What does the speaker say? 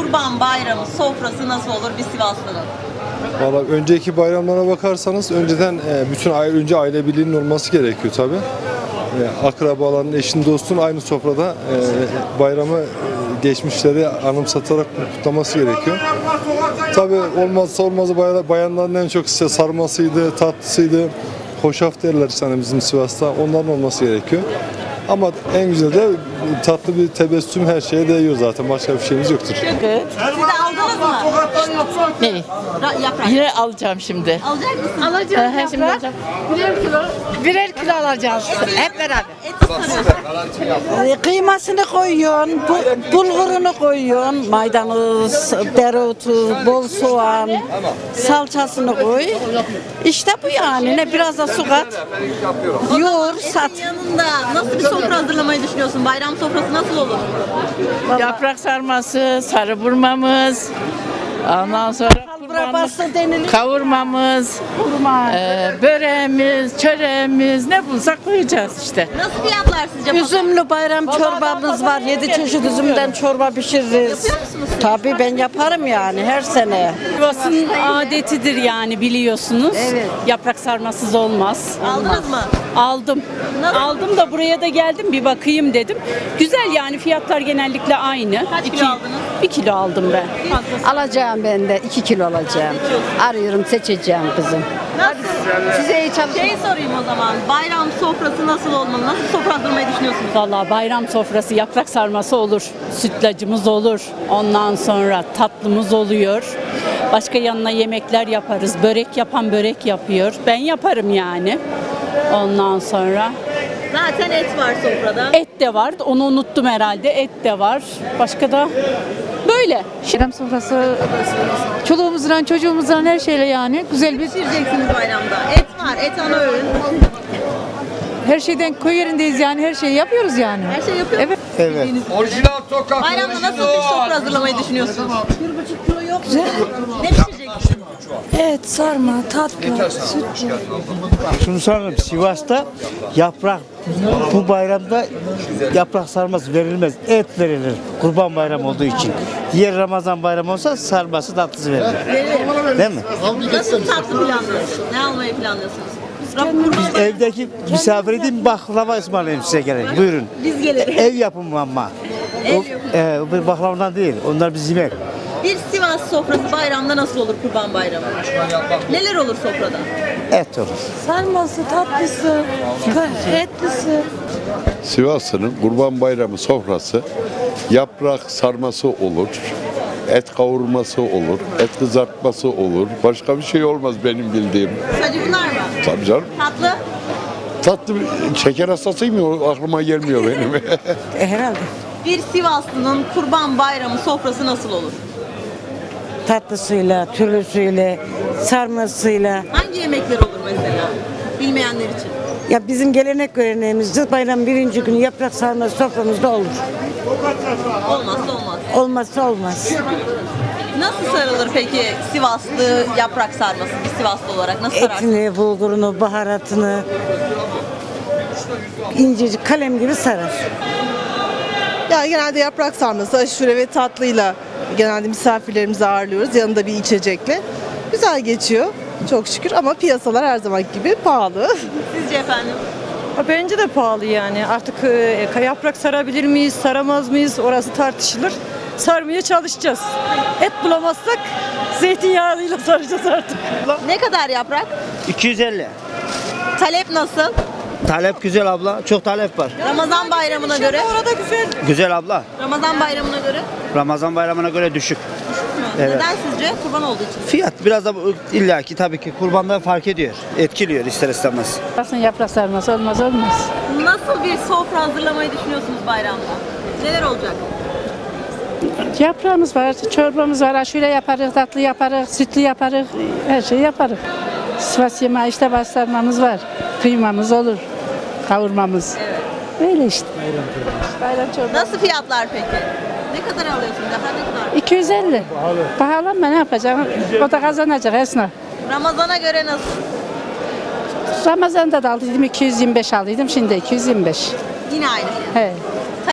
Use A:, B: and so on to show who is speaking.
A: Kurban Bayramı sofrası nasıl olur bir Sivaslı'nın?
B: Valla önceki bayramlara bakarsanız önceden önce aile birliğinin olması gerekiyor tabi. Akrabaların, eşin, dostun aynı sofrada bayramı geçmişleri anımsatarak kutlaması gerekiyor. Tabi olmazsa olmazı bayanların en çok işte sarmasıydı, tatlısıydı, hoşaf derler işte bizim Sivas'ta, onların olması gerekiyor. Ama en güzel de tatlı bir tebessüm her şeye değiyor zaten. Başka bir şeyimiz yoktur.
A: Siz de aldınız mı?
C: Ne?
A: Yaprak.
C: Yine alacağım şimdi.
A: Alacak mısın?
C: Alacağım. Şimdi alacağım.
D: Birer kilo alacağız hep beraber.
A: Et sarıyorsun.
D: Kıymasını koyuyorsun, bulgurunu koyuyorsun, maydanoz, dereotu, bol soğan, salçasını koy. İşte bu yani. Ne biraz da su kat. Yoğur, sat.
A: Etin yanında nasıl bir sofra hazırlamayı düşünüyorsun? Bayram sofrası nasıl olur?
C: Yaprak sarması, sarı burmamız. Ondan sonra
D: Burası denilir.
C: kavurmamız,
D: Kurma.
C: böreğimiz, çöreğimiz ne bulsak koyacağız işte.
A: Nasıl fiyatlar sizce?
D: Üzümlü bayram çorbamız var. 7 çeşit üzümden çorba pişiririz.
A: Yapıyor musunuz?
D: Tabii ben yaparım yani her sene.
E: Sivas'ın adetidir yani biliyorsunuz.
D: Evet.
E: Yaprak sarmasız olmaz.
A: Aldınız mı?
E: Aldım.
A: Nasıl?
E: Aldım da buraya da geldim bir bakayım dedim. Güzel yani fiyatlar genellikle aynı.
A: Kaç kilo aldınız?
E: 1 kilo aldım ben.
D: Alacağım ben de 2 kilo alacağım. Arıyorum seçeceğim kızım.
A: Nasıl?
D: Size iyi çalışmalar.
A: Şey sorayım o zaman. Bayram sofrası nasıl olmalı? Nasıl sofra hazırlamayı düşünüyorsunuz?
E: Vallahi bayram sofrası yaprak sarması olur. Sütlacımız olur. Ondan sonra tatlımız oluyor. Başka yanına yemekler yaparız. Börek yapan börek yapıyor. Ben yaparım yani. Ondan sonra
A: Zaten et var sofrada.
E: et de var. Onu unuttum herhalde. Et de var. Başka da böyle.
F: Bayram sofrası çoluğumuzdan çocuğumuzdan her şeyle yani güzel bir
A: Pişireceksiniz bayramda. Et var. Et ana öğün.
F: her şeyden köy yerindeyiz yani her şeyi yapıyoruz yani.
A: Her şey yapıyor
F: Evet.
B: Evet.
G: Orijinal sokak.
A: Bayramda nasıl bir sofra hazırlamayı düşünüyorsunuz? 1,5 kilo yok mu? Ne pişireceksiniz?
H: Evet, sarma, tatlı, süt.
I: Şunu sorayım, Sivas'ta yaprak, bu bayramda yaprak sarması verilmez, et verilir Kurban Bayramı olduğu için. Diğer Ramazan Bayramı olsa sarması tatlısı verilir. Değil mi?
A: Nasıl tatlı planlıyorsunuz? Ne almayı planlıyorsunuz?
I: Biz evdeki misafir edeyim baklava ısmarlayayım size gerek. Buyurun.
A: Biz geliriz.
I: Ev yapımı ama. O, bir baklavadan değil, onlar biz yemek.
A: Bir Sivas sofrası bayramda nasıl olur Kurban Bayramı? Neler olur sofrada?
I: Et olur.
H: Sarması, tatlısı, etlisi.
J: Sivas'ın Kurban Bayramı sofrası yaprak sarması olur, et kavurması olur, et kızartması olur. Başka bir şey olmaz benim bildiğim.
A: Sadece bunlar mı?
J: Tabii canım.
A: Tatlı?
J: Tatlı şeker hastasıyım ya o aklıma gelmiyor benim.
D: Herhalde.
A: Bir Sivaslı'nın Kurban Bayramı sofrası nasıl olur?
D: Tatlısıyla, türlüsüyle, sarmasıyla.
A: Hangi yemekler olur mesela? Bilmeyenler için.
D: Ya bizim gelenek göreneğimizde bayram birinci günü yaprak sarması soframızda olur.
A: Olmazsa olmaz.
D: Olmazsa olmaz.
A: Nasıl sarılır peki Sivaslı yaprak sarması? Bir Sivaslı olarak nasıl sararsınız?
D: Etini, bulgurunu, baharatını incecik kalem gibi sarar.
K: Yani genelde yaprak sarması, aşure ve tatlıyla genelde misafirlerimizi ağırlıyoruz. Yanında bir içecekle. Güzel geçiyor çok şükür ama piyasalar her zaman gibi pahalı.
A: Sizce efendim?
F: Bence de pahalı yani. Artık yaprak sarabilir miyiz, saramaz mıyız? Orası tartışılır. Sarmaya çalışacağız. Et bulamazsak zeytinyağıyla saracağız artık.
A: Ne kadar yaprak?
I: 250.
A: Talep nasıl?
I: Talep güzel abla, çok talep var.
A: Ramazan bayramına göre?
F: Orada güzel.
I: Güzel abla.
A: Ramazan bayramına göre?
I: Ramazan bayramına göre düşük. Evet.
A: Neden sizce? Kurban olduğu için.
I: Fiyat biraz da illaki tabii ki kurbanda fark ediyor. Etkiliyor ister istemez.
C: Aslında yaprak sarması olmaz.
A: Nasıl bir sofra hazırlamayı düşünüyorsunuz bayramda? Neler olacak?
C: Yaprağımız var, çorbamız var, aşure yaparız, tatlı yaparız, sütlü yaparız, her şeyi yaparız. Sivas yemeği işte bastırmamız var, kıymamız olur, kavurmamız. Böyle işte. Bayram çorbası.
A: Nasıl fiyatlar peki? Ne kadar alıyorsunuz? Daha ne kadar?
C: 250. Pahalı ama ne yapacağım? O da kazanacak esnaf.
A: Ramazana göre nasıl?
C: Ramazan'da da aldıydım 225 aldıydım, şimdi 225.
A: Yine aynı fiyat.
C: He.